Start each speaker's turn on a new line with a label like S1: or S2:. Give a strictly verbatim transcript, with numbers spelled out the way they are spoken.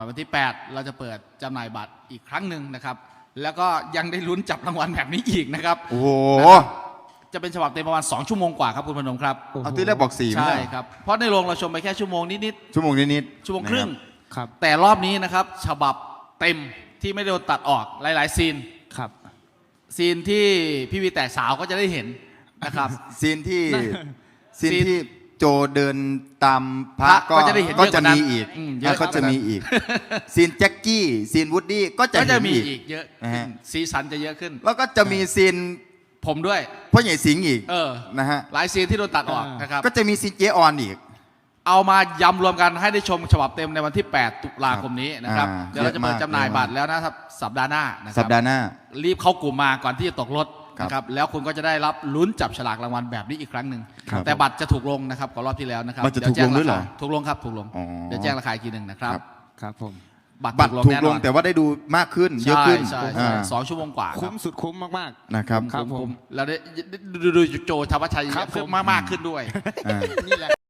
S1: วันที่แปดเราจะเปิดจำหน่ายบัตรอีกครั้งหนึ่งนะครับแล้วก็ยังได้ลุ้นจับรางวัลแบบนี้อีกนะครับ
S2: โอ้โห
S1: จะเป็นฉบับเต็มประมาณสองชั่วโมงกว่าครับคุณพนมครับ
S2: เอาที่แรกบอกสี่
S1: ใช่ครับเพราะในโรงเราชมไปแค่ชั่วโมงนิด
S2: ๆชั่วโมงนิด
S1: ๆชั่วโมงครึ่ง
S3: ครับ
S1: แต่รอบนี้นะครับฉบับเต็มที่ไม่โดนตัดออกหลายๆซีน
S3: ครับ
S1: ซีนที่พี่วีแตกสาวก็จะได้เห็นนะครับ
S2: ซีนที่ซีนที่โจเดินตามพระก็
S1: ก็จะได้เห็น
S2: ก็
S1: เยอะก
S2: จะ
S1: ว่านั้น
S2: มีอีก
S1: อืมเยอะ
S2: ก็จะมีอีกซีนแจ็คกี้ซีนวูดดี้ก็จะ
S1: ก็จะ
S2: เห็น
S1: มี
S2: อีก
S1: อีกเยอะ
S2: นะ
S1: ขึ้
S2: ฮะ
S1: นสีสันจะเยอะขึ้น
S2: แล้วก็จะมีซีน
S1: ผมด้วย
S2: พ่อใหญ่สิงห์อีก
S1: เออ
S2: นะฮะ
S1: หลายซีนที่โดนตัดออกนะครับ
S2: ก็จะมีซีนเจออนอีก
S1: เอามายำรวมกันให้ได้ชมฉบับเต็มในวันที่แปดตุลาคมนี้นะครับ
S2: อ่า
S1: เดี๋ยวเราจะเปิดจำหน่ายบัตรแล้วนะครับสัปดาห์หน้านะค
S2: สั
S1: รั
S2: ปดาห์หน้า
S1: รีบเข้ากลุ่มมาก่อนที่จะตกรถ
S2: ครับ
S1: นะครับแล้วคุณก็จะได้รับลุ้นจับฉลากรางวัลแบบนี้อีกครั้งหนึ่ง
S2: ครับ
S1: แต่บัตรจะถูกลงนะครับกว่ารอบที่แล้วนะครับ
S2: มันจะ
S1: เดี๋ยวแจ้
S2: ถูกลงด้วยเหรอ
S1: ราคาถูกลงครับถูกลง
S2: อ๋อ
S1: เดี๋ยวแจ้งราคาอีกทีหนึ่งนะครับ
S2: ครับ
S3: ครับผม
S1: บัตร
S2: บัตร
S1: ถู
S2: ถู
S1: ก
S2: ก
S1: ลง
S2: ล
S1: แน่
S2: ง
S1: นอน
S2: แต่ว่าได้ดูมากขึ้นเยอะขึ้น
S1: ใช่ใช่
S2: อ่า
S1: ใช่สองชั่วโมงกว่า
S3: คุ้มสุดคุ้มมาก
S2: นะครับ
S3: ครับผม
S1: แล้วได้ดูดูโจธวัชชัย
S3: ครับผม
S1: มากมากขึ้นด้วย
S2: อ่า
S3: ๆนี่แหละ